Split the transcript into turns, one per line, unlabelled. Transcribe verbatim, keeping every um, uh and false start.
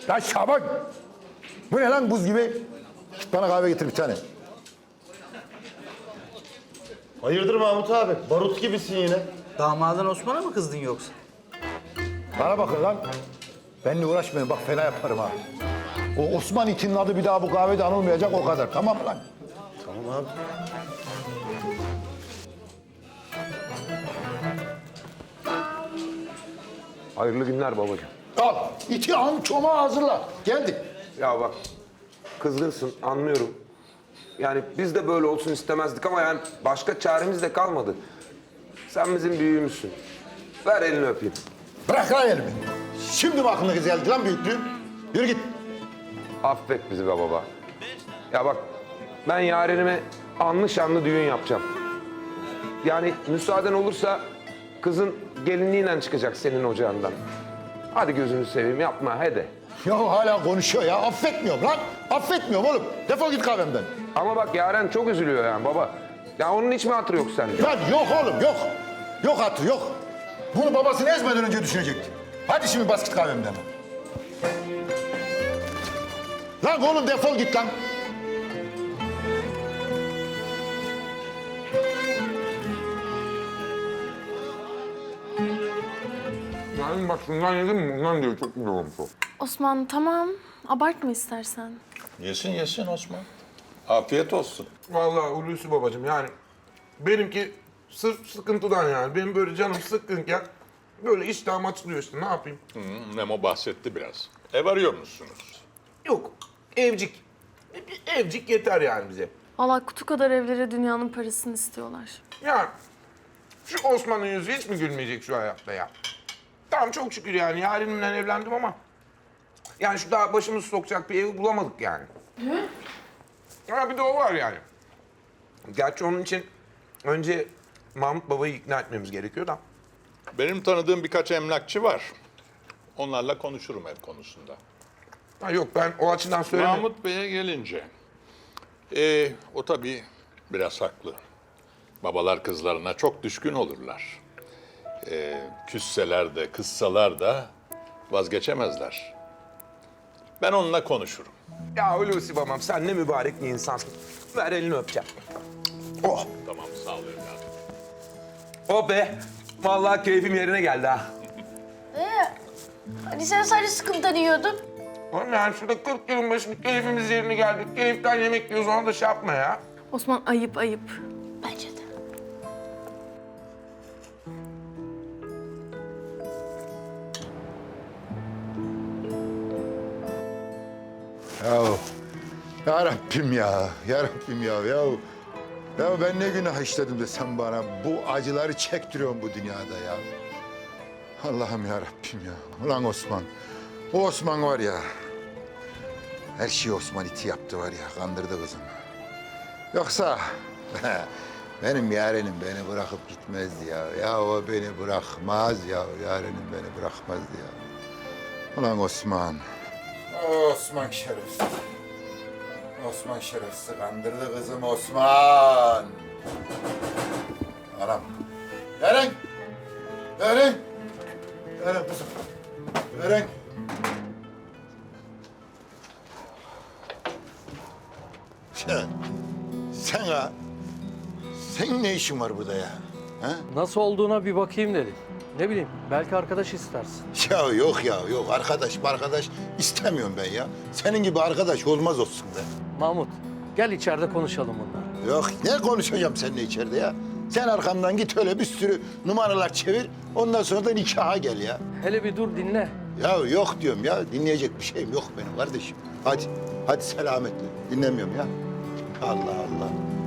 Lan Şaban! Bu ne lan buz gibi? Git bana kahve getir bir tane.
Hayırdır Mahmut abi? Barut gibisin yine.
Damadın Osman'a mı kızdın yoksa?
Bana bakın lan. Benimle uğraşmayın bak fena yaparım ha. O Osman itinin adı bir daha bu kahvede anılmayacak o kadar. Tamam mı lan?
Tamam abi.
Hayırlı günler babacığım.
Al iti al çomağı hazırla. Geldik.
Ya bak kızgınsın anlıyorum. Yani biz de böyle olsun istemezdik ama yani başka çaremiz de kalmadı. Sen bizim büyüğümüzsün. Ver elini öpeyim.
Bırak lan elimi. Şimdi mi aklına geldi lan büyüklüğüm? Yürü git.
Affet bizi be baba. Ya bak ben yarenime anlı şanlı düğün yapacağım. Yani müsaaden olursa kızın gelinliğiyle çıkacak senin ocağından. Hadi gözünü seveyim yapma hadi.
Ya hala konuşuyor ya. Affetmiyorum lan. Affetmiyorum oğlum. Defol git kahvemden.
Ama bak Yaren çok üzülüyor yani baba. Ya onun hiç mi hatırı yok sende?
Lan yok oğlum yok. Yok hatır yok. Bunu babasını ezmeden önce düşünecekti. Hadi şimdi bas git kahvemden. Lan oğlum defol git lan.
Yani bak şundan yedim mi? Bundan diyor çok güzel olmuş o.
Osman tamam. Abartma istersen.
Yesin yesin Osman. Afiyet olsun.
Vallahi Hulusi babacığım yani benimki sırf sıkıntıdan yani. Benim böyle canım sıkkınken böyle iştahım açılıyor işte ne yapayım?
Hı, Memo bahsetti biraz. Ev arıyor musunuz?
Yok evcik. Bir evcik yeter yani bize.
Vallahi kutu kadar evlere dünyanın parasını istiyorlar.
Ya şu Osman'ın yüzü hiç mi gülmeyecek şu hayatta ya? Tamam çok şükür yani yarenimle evlendim ama yani şu daha başımızı sokacak bir evi bulamadık yani. Hı? Ha bir de o var yani. Gerçi onun için önce Mahmut babayı ikna etmemiz gerekiyor da.
Benim tanıdığım birkaç emlakçı var. Onlarla konuşurum ev konusunda.
Ha yok ben o açıdan söylemiyorum.
Mahmut Bey'e gelince, ee, o tabii biraz haklı. Babalar kızlarına çok düşkün olurlar. Ee, küsseler de, kızsalar da vazgeçemezler. Ben onunla konuşurum.
Ya Hulusi babam sen ne mübarek bir insansın. Ver elini öpeceğim. Oh,
Tamam, sağ ol evladım.
oh be. Vallahi keyfim yerine geldi ha.
Hani sen sadece sıkıntıdan yiyordun.
Oğlum yani şurada kırk yılın başında keyfimiz yerine geldi. Keyiften yemek yiyoruz ona da şey yapma ya.
Osman ayıp ayıp.
Bence de.
Ya, ya Rabbim ya, ya Rabbim ya, ya. Ya ben ne günah işledim de sen bana bu acıları çektiriyorsun bu dünyada ya. Allah'ım ya Rabbim ya. Ulan Osman, o Osman var ya. Her şeyi Osman iti yaptı var ya, kandırdı kızımı. Yoksa benim yarenim beni bırakıp gitmezdi ya. Ya o beni bırakmaz ya, yarenim beni bırakmazdı ya. Ulan Osman. Osman şerefsiz. Osman şerefsiz kandırdı kızım Osman. Anam. Eren. Eren. Eren kızım. Eren. Sen, sen ha, senin ne işin var burada ya? Ha?
Nasıl olduğuna bir bakayım dedim. Ne bileyim, belki arkadaş istersin.
Ya yok ya yok arkadaş arkadaş istemiyorum ben ya. Senin gibi arkadaş olmaz olsun be.
Mahmut, gel içeride konuşalım bunları.
Yok ne konuşacağım seninle içeride ya. Sen arkamdan git öyle bir sürü numaralar çevir. Ondan sonra da nikaha gel ya.
Hele bir dur dinle.
Ya yok diyorum ya. Dinleyecek bir şeyim yok benim kardeşim. Hadi. Hadi selametle. Dinlemiyorum ya. Allah Allah.